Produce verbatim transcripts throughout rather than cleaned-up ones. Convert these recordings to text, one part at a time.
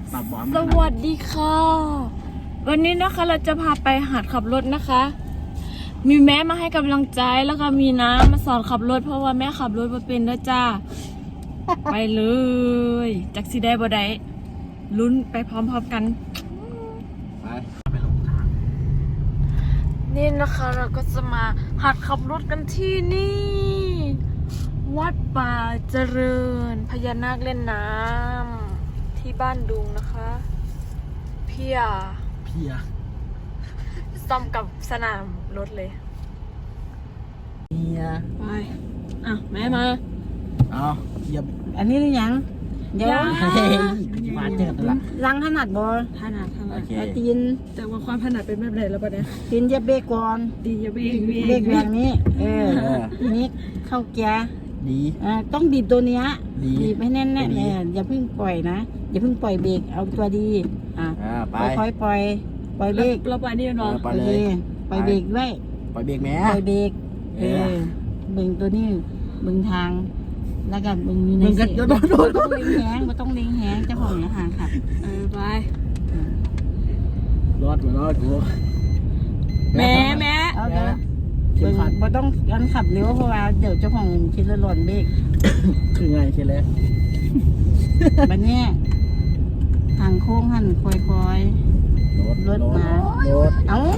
ปรับบอมสวัสดีค่ะวันนี้นะคะเราจะพาไปหัดขับรถนะคะ มีแม่มาให้กำลังใจแล้วก็มีน้ามาสอนขับรถเพราะว่าแม่ขับรถมาเป็นด้วยจ้า ไปเลยจักสีได้บ่ได้ลุ้นไปพร้อมๆกันไปไปลงทางนี่นะคะเราก็จะมาหัดขับรถกันที่นี่ วัดป่าเจริญพญานาคเล่นน้ำที่บ้านดุงนะคะเพียเพียซ่อมกับสนามรถเลยเพียไปอ่ะแม่มาเอาเพียอันนี้หรือยังเดี๋ยวยังเฮ้ยมาเจอตัวละล้างถนัดบอลถนัดถนัโอดเคเอาตีนแต่ว่าความถนัดเป็นแบบไหนแล้วปะเนี่ยตีนเหจะเบรกก่อนดีอย่าเบรกเบรกแบบนี้ เออทีนี้เข้าเกียร์ดีอ่าต้องบีบตัวเนี้ยดีบีบให้แน่นๆดีเนี่ยอย่าเพิ่งปล่อยนะอย่าเพิ่งปล่อยเบรกเอาตัวดีอ่ะอ่าไปค่อยๆปล่อยปล่อยเบรกเราไปนี่เนาะไปโอเลเคยปล่อยเบรกด้วยปล่อยเบรกแม่ปล่อยเบรกเอเอออเบิ่งตัวนี้เบิ่งทางแล้วก็เบิ่งอยู่ในเบิ่งกันเสียโดนโดนโดนบ่ต้องเล็งแหงไม่ต้องเล็งแหงเจ้าของนะห่างขับเออไปรอดมารอดกูแม่แม่เอาแม่เด้อเข็เบิ่มงขัดบ่ต้องการขับเร็วเพราะว่าเดี๋ยวเจ้าของคิดละหล่นเบรกคือไงเช่เลยบัดเนี้ยทางโค้งหันค่อยรถรถมารถๆเอ้า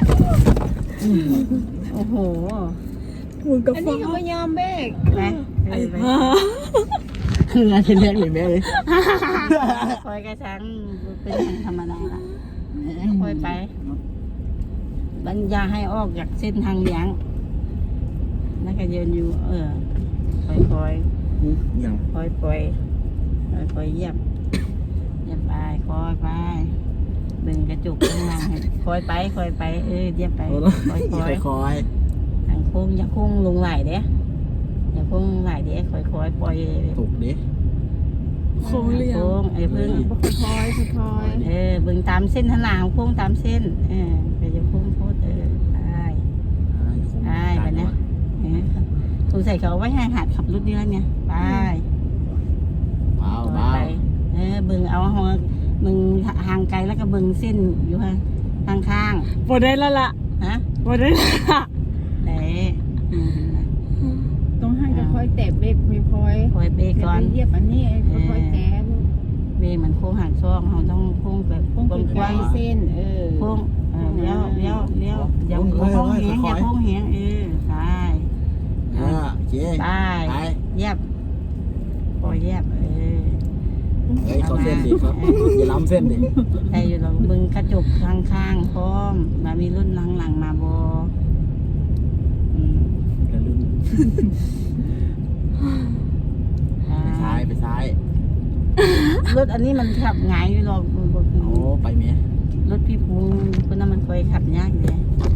โอ้โหมึงกับอันฟ้านี้เขาไม่ยอมเบรกนะไอ้ไปบ้าคือไงเช่เลยแม่เลยคอยกระชังเป็นธรรมดาละค่อยไปบัญญาให้ออกจากเส้นทางเลี้ยงแล้วก็ยืนอยู่ เออค่อยๆอย่างคอยปล่อยคอยปล่อยเหยียบเหยียบไปคอยไปดึงกระจุกข้างล่างให้คอยไปคอยไปเออเหยียบไปโอ้คอยคอยคอยทางโค้งอย่าโค้งลงไหลเด้อย่าโค้งลงไหลเด้คอยคอยปล่อยถูกดิโค้งเรียงโค้งไอ้พึ่งคอยคอยเออบึงตามเส้นทางหลังโค้งตามเส้นเออไปจะโค้งโคตรเออได้ได้ไปนะเออสงสัยเขาเอาไว้ให้หัดขับรถนี่แล้วเนี่ยไปเบาเบาไปเออบึงเอาหัวบึงห่างไกลแล้วก็บึงเส้นอยู่ข้างข้างบ่ได้แล้วล่ะๆฮะบ่ได้แล้วล่ะไหนอืมต้องให้ค่อยๆแตะเบรกค่อยคอยเบรกๆก่อนเหยียบอันนี้ค่อยๆแตะเบรกเหมือนโค้งหักซองเราต้องโค้งแบบต้องกใกว้าล้งๆเส้น เออๆโค้งเออเลี้ยวเลี้ยวเลี้ยวอย่าโค้งแหงอย่าโค้งแหงเออใช่อ่าโอเคไปไปเยียบปล่อยเยียบเออเฮ้ยเขาเส้นดิครับอย่าล้ำเส้นดิไอ้อยู่เราบึงกระจกข้างๆพร้อมมามีรุ่นหลังๆมาบอืมกระลุ่นอ่าไปซ้ายไปซ้ายรถอันนี้มันขับง่ายอยู่หรอกโอ้ไปเมียรถพี่พุงคนนั้นมันเคยขับยากเลย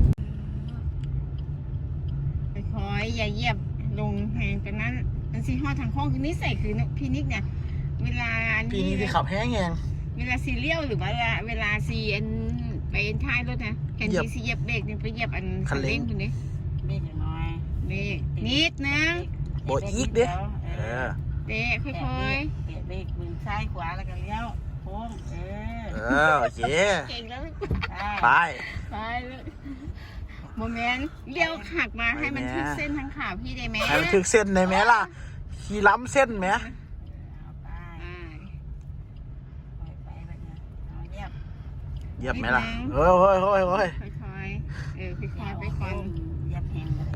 ค่อยๆอย่าเหยียบลงแหงจากนั้นอันซีฮอดทางโค้งคือนิสัยคือพี่นิกเนี่ย เวลาอันปีนี้นี้ที่ขับแห้งแหงเวลาซีเรียลหรือว่าเวลาเวลาซีอันไปท้ายรถนะแทนเหยียบที่ซีเหยียบเบรกนี่ไปเหยียบอันคันเร่งตรงนี้เบรกน้อยเบรกนิดนึงโบอีกเด้อเอเอออเบรกค่อยเบรกเบรกมือซ้ายขวาแล้วก็เลี้ยวโค้งเออเออโอเคๆเก่งแล้วไปไปเลยโมเมนต์เลี้ยวหักมาให้มันทึกเส้นทั้งขาพี่ได้ไหมให้มันถึกเส้นได้ไหมล่ะขี่ล้ำเส้นไหมเอาไปอ่าปล่อยไปแบบนี้เอาเยียบเหยียบไหมล่ะเฮ้ยเฮ้ยเฮ้ยเฮ้ยค่อยๆ เออค่อยๆไปก่อนเยียบแหงก็ได้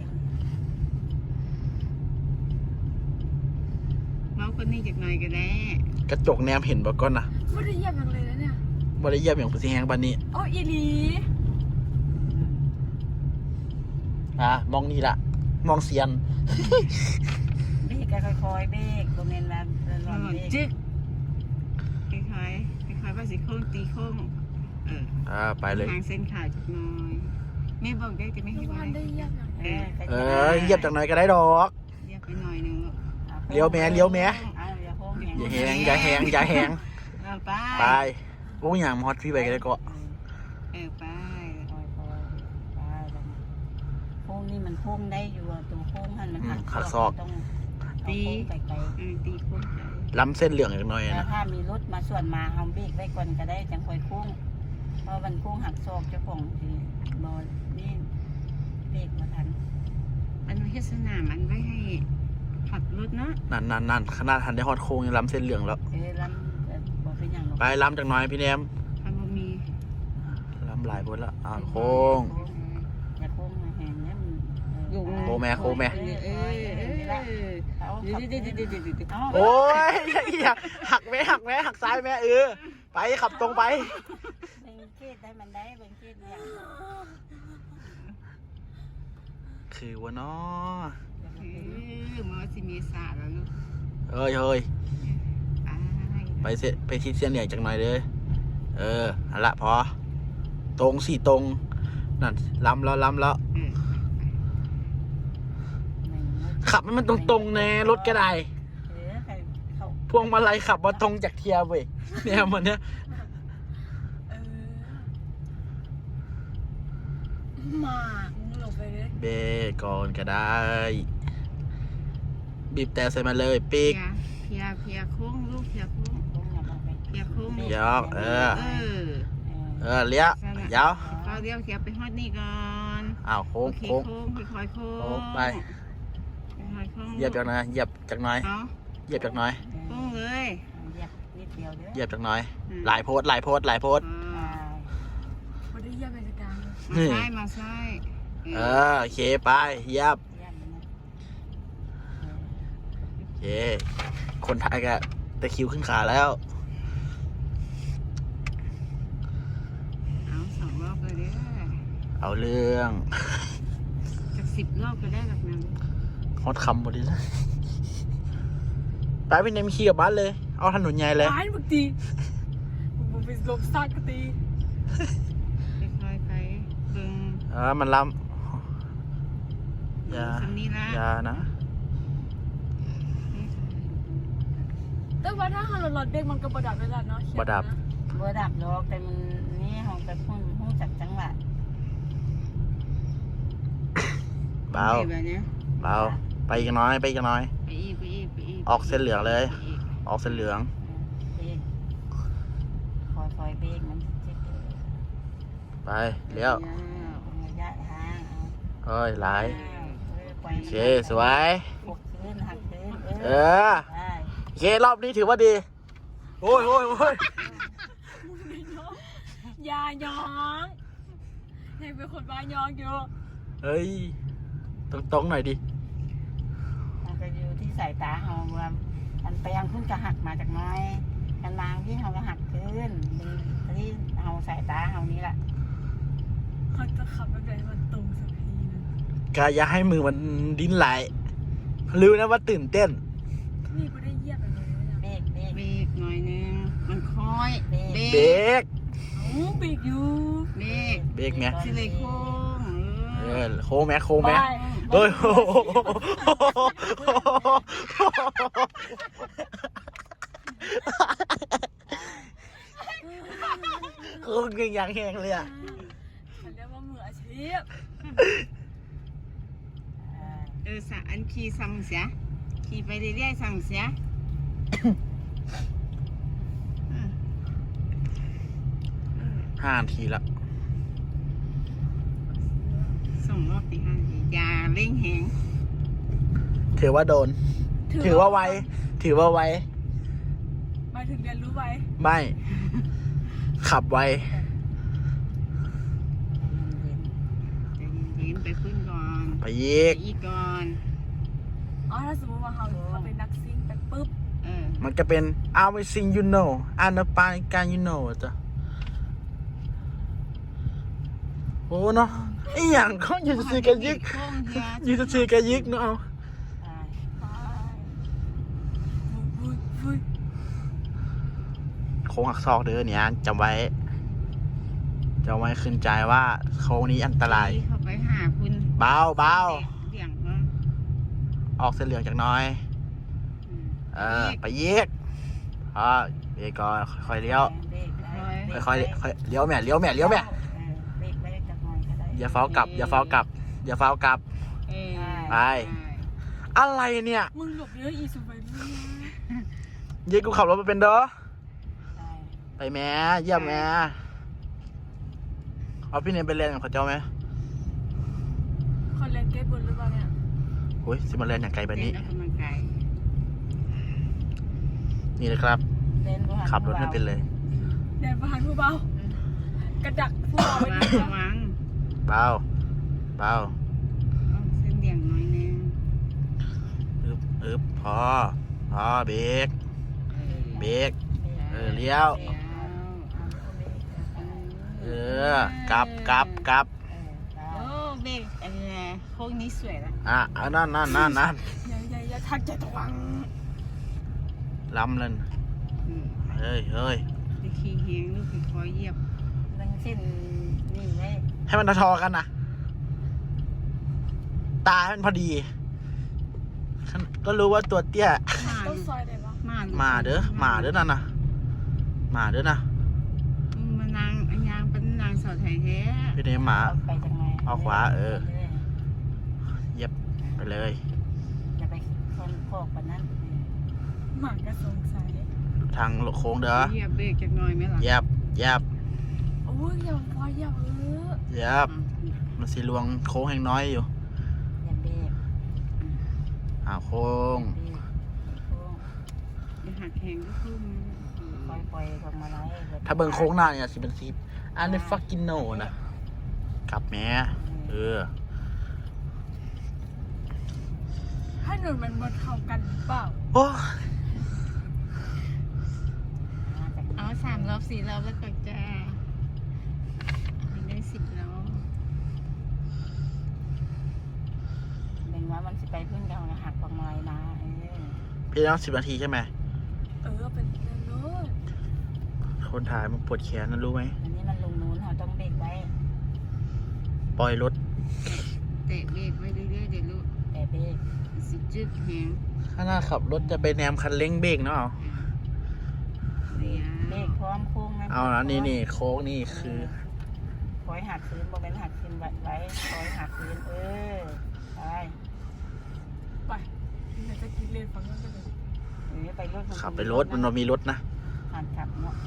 เมาส์คนนี้จากหน่อยก็ได้กระจกแนมเห็นบ่ก่อนนะไม่ได้เหยียบอย่างเลยนะเนี่ยบ่ได้เหยียบอย่างผู้สิแหงบันนี้อ๋ออีหลีอ่ะมองนี่ละมองเซียนเบรกก็ค่อยๆเบรกตรงนี้นะร้อนเบรกจึ๊กค่อยๆค่อยๆว่าสิโค้งตีโค้งเอออ่าไปเลยทางเส้นขาวจากหน่อยแม่บอกได้แต่ไม่ทุเห็กนวัว่านได้เหยียบอย่างเออเออเหยียบจากไหนก็ได้ดอกเรียกไปหน่อยนึงลูกเลี้ยวแม่เลี้ยวแม่เอาอย่าโค้งแหงอย่าแหงอย่าแหงอย่าแหงเอาไปไปโอ้ยอย่างมอดพี่ไปก็ได้ก็เออไปค่อยๆไปแบบนี้โค้งนี่มันโค้งได้อยู่อะตัวโค้งหันมันหักต้องตีเอาโค้งไกลเออตีโค้งไปล้ำเส้นเหลืองอีกหน่อยแล้วนะถ้ามีรถมาส่วนมาเฮาเบรกไว้ก่อนก็ได้จังค่อยโค้งเพราะมันโค้งหักศอกเจ้าของสิบ่นี่เบรกบ่ทันมันไม่ใช่สนามมันไว้ให้ขับรถเนาะนั่นนั่นนั่นขนาดทันได้ฮอดโค้งยังล้ำเส้นเหลืองแล้วเอ้ยลำเอ่อบ่เป็นหยังหรอกไปล้ำจากหน่อยพี่แนมถ้าบ่มีล้ำหลายบนแล้วอ่าโค้งอย่าโค้งมาแหงเนี่ยมันเออโค้งแม่โค้งแม่เออเออเออเอาเดี๋ยวเดี๋ยวเดี๋ยวเดี๋ยวเดี๋ยวเอาโอ้ยอย่าหักแม่หักแม่หักซ้ายแม่เออไปขับตรงไปเบิ่งเกตได้มันได้เบิ่งเกตเนี่ยคือว่าน้อเออมาสิมีสาแล้วลูกเอ้ยเฮ้ยไปไปเสร็จไปทิศเส้นเหลืองจากหน่อยเลยเอออันละพอตรงสี่ตรงนั่นล้ำแล้วล้ำแล้วเออขับให้มันตรงๆแน่รถก็ได้เออใครเขาพวงมาลัยขับมาตรงจากเทียร์เว้ยเนี่ยมันเนี้ยเออหมากมึงหลบไปเลยเบรกก่อนก็ได้ บีบแต่ใส่มาเลยปีกเพียเพียโค้งลูกเพียโค้งโค้งอย่ามาไปเพียโค้งลูกยอกเออเออเออเลี้ยวเดี๋ยวเขาเรียกเพียไปฮอดนี่ก่อนอ้าวโค้งโอเคโค้งโค้งค่อยๆโค้งโค้งไปค่อยๆโค้งเหยียบจากหน่อยเหยียบจากหน่อยเอาเหยียบจากหน่อยโค้งเลยเหยียบนิดเดียวเด้อเหยียบจากหน่อยอืมหลายโพสต์หลายโพสต์หลายโพสต์เออ่าอไม่ได้เยี่ยมราชการเลยมาซ้ายมาซ้ายเออโอเคไปเหยียบเยี่ยมนะโอเคคนไทยก็ตะคริวขึ้นขาแล้วเอาสองรอบเลยเด้อเอาเรื่องจากสิบรอบก็ได้แบบนั้นฮอตคำหมดเลยไปพี่เนมขี่กลับบ้านเลย เอาถนนใหญ่เลยร้ายมึงตีมึงไปลบซากก็ตีค่อยๆไปเบิ่งเออมันล้ำอย่าสันนี้ละอย่านะแต่ว่าถ้าหันรถเด็กมันก็ประดับไปแล้วเนาะประดับบ่ดับดอกแต่มันนี่เฮาไปพุ่นฮู้จักจังหวะเบาแบบเนี้ยเบาไปอีกน้อยไปอีกน้อยไปอีกไปอีกไปอีกออกเส้นเหลืองเลยไปอีกออกเส้นเหลืองเบรกคอยๆเบรกมันจะจิกไปเลี้ยวระยะทางเฮ้ยหลายโอโอเคสวยหกคืนหักคืนเออได้โอเครอบนี้ถือว่าดี โอ้ยโอ้ยโอ้ยอย่ายองยังเป็นคนบ้ายองอยู่เฮ้ยตรงตรงๆหน่อยดิมันก็อยู่ที่สายตาเฮาว่ามันไปยังขึ้นก็หักมาจากน้อยกันนางที่เฮาก็หักคืนที่เฮาสายตาเฮานี้แหละเขาจะขับไปไหนมันตรงสักทีนึงกาอย่าให้มือมันดิ้นไหลรู้นะว่าตื่นเต้นนี่ไม่ได้เยี่ยมอะไรเลยนะเบรกเบรกเบรกหน่อยนึงมันค่อยเบรกเบรกโอ้ปีกอยู่เบรกเบรกไหมสิเลยโค้งเอเอออโค้งไหมโค้งไหมไปเฮ้ยโอ้โหโค้งยังยังแหงเลยอ่ะฉันเรียกว่ามืออาชีพเออสะอันขี่ซ้ำเสียขี่ไปเรื่อยๆซ้ำเสียห้านาทีละส่งรอบตีห้าทีอย่าเร่งแหงถือว่าโดน ถือว่าไว ถือว่าไวหมายถึงเรียนรู้ไว้ไม่ ขับไวใจเย็นๆไปขึ้นก่อนไปยีกไปอีกก่อนอ๋อถ้าสมมติว่าเขาเขาเป็นนักซิ่งไปปุ๊บเออมันก็เป็น everything you know and the p a n can you know จ้ะโอ้เนาะไอ้อย่างเขาอยู่จะซื้อกันยึกโค้งเฮียอยู่จะซื้อกันยึกเนาะไปวุ้ยวุ้ยโค้งหักซอกเด้อเนี่ยจำไว้จำไว้ขึ้นใจว่าโค้งนี้อันตรายเข้าไปหาคุณเบาเบาเบี่ยงเนาะออกเส้นเหลืองจากหน้อยอืมเออ ไปยีกอ๋อเบรกก่อนค่อยๆเลี้ยว ค่อยๆค่อยเลี้ยวแม่เลี้ยวแม่เลี้ยวแม่เบรกเบรกจักหน่อยก็ได้อย่าเฝ้ากลับ อย่าเฝ้ากลับ อย่าเฝ้ากลับเออไป อะไรเนี่ยมึงหลบเยอะอีสุไปด้วยนะเย้กูขับรถมาเป็นเด้อใช่ไปแม่เยี่ยมแม่เอาพี่เนมไปเรียนกับเขาเจ้าไหมคนเล่นเกมบนหรือเปล่าเนี่ยโอ้ยสิมาเรียนอย่างไกลแบบนี้เต้นออกกำลังกายนี่นะครับเล่นบ่หันขับรถไม่เป็นเลยเดินผ่านผู้เบากระดักผู้เบาไประวัดีงกระว่าวังเบาเบาเอาเส้นเดี่ยงน้อยนึงอึบอึบพอพอเบรกเบรกเออเลี้ยวเดี๋ยวเออกลับกลับกลับโอ้เบรกอันนี้โค้งนี้สวยละอ่ะเอานั่นนั่นนั่นนั่นอย่าอย่าอย่าทักใจตะวังล้ำเลยอืมเฮ้ยเฮ้ยไปขี่เฮียงลูกขี่คอยเหยียบนั่งเส้นนี่ไหมให้มันทอๆกันนะตาให้มันพอดี ก็รู้ว่าตัวเตี้ยมาต้องซอยได้ปะมามาเด้อมาเด้อนั่นนะมาเด้อนะมานางอันยางเป็นนางสาวไทยแท้พี่เนมหมาไปจังไงเอาขวาเออ เย็บไปเลยอย่าไปคนโคกปานนั้นหมากระสงสัยทางโค้งเด้อเหยียบเบรกจักหน่อยไหมล่ะเย็บเย็บโอ้ยอย่าพออย่าเออเย็บมันสีลวงโค้งแห่งน้อยอยู่อย่าเบรกอ่าโค้งเบรกโค้งอย่าหักแหงก็ขึ้นปล่อยปล่อยๆลงมาไล่ถ้าเบิ่งโค้งหน้าเนี่ยสิเป็นสีอันนี้ฟักกินโนนะกลับแม่เออถ้าหนุนมันบนเข้ากันหรือเปล่าโอ้เอาสามรอบสี่รอบแล้วก็จะได้สิบแล้วเบ่งว่ามันสิไปขึ้นกันนะหักลงมาไล่นะเออพี่ต้องสิบนาทีใช่ไหมเออเป็นเรื่องโน้นคนถ่ายมันปวดแขนนะรู้ไหมอันนี้มันลงนู้นเราต้องเบรกไว้ปล่อยรถเตะเบรกไว้เรื่อยๆเดี๋ยวลูกแต่เบรกสิจึกแหงข้างหน้าขับรถจะไปแนมคันเร่งเบรกเนาะเดี๋ยวเบรกพร้อมโค้งนะเอาแล้วนี่นี่โค้งนี่คือคอยหักคืนโมเมนหักคืนไว้ไว้คอยหักคืนเออไปไปเดี๋ยวจะกินเลนฝั่งนู้นกันเลยหรือไปรถขับไปรถมันมีรถนะหันขับเนาะ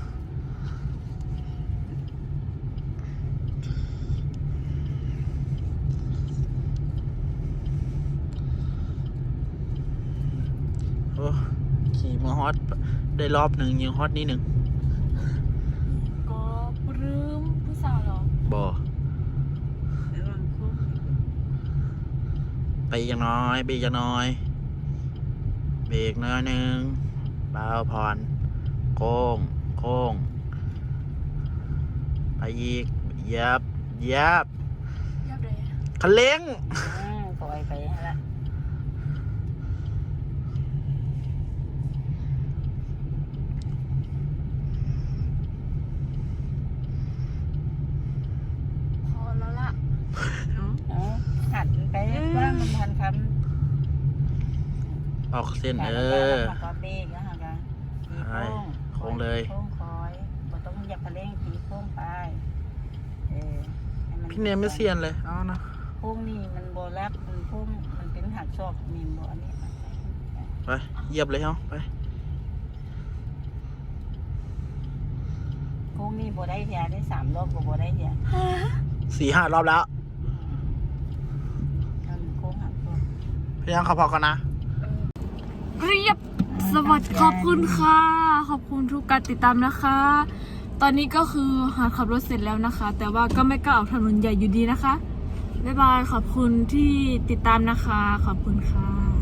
โอ้ขี่มาฮอตได้รอบหนึ่งยิงฮอตนี่หนึ่งก็ปลื้มผู้สาวเหรอบ่ระวังโค้งไปอีกอย่างน้อยไปอีกอย่างน้อย เบรกน้อยหนึ่งเบาผ่อนโค้งโค้งไปอีกยับยับยับเลยคันเร่งอืมปล่อยไปละพอแล้วล่ะเนาะเออหัดไปว่ามันทันคำออกเส้นเออหักก็เบรกนะฮะกันตีใช่โค้งโค้งเลยโค้งคอยบ่ต้องเหยับกระเร่งตีโค้งไปเออให้พี่เนมไม่เซียนเลยเอานะโค้งนี่มันโบลับมันโค้งมันเป็นหักศอกนี่โบอันนี้ไปเหยียบเลยเฮาไปโค้งนี่โบได้เทียได้สามรอบก็โบได้เทียสี่ห้ารอบแล้วมันโค้งหักศอกพี่ยังขับพอกันนะเรียบสวัสดีขอบคุณค่ะ ขอบคุณทุกการติดตามนะคะ ตอนนี้ก็คือหาขับรถเสร็จแล้วนะคะ แต่ว่าก็ไม่กล้าออกถนนใหญ่อยู่ดีนะคะบ๊ายบายขอบคุณที่ติดตามนะคะ ขอบคุณค่ะ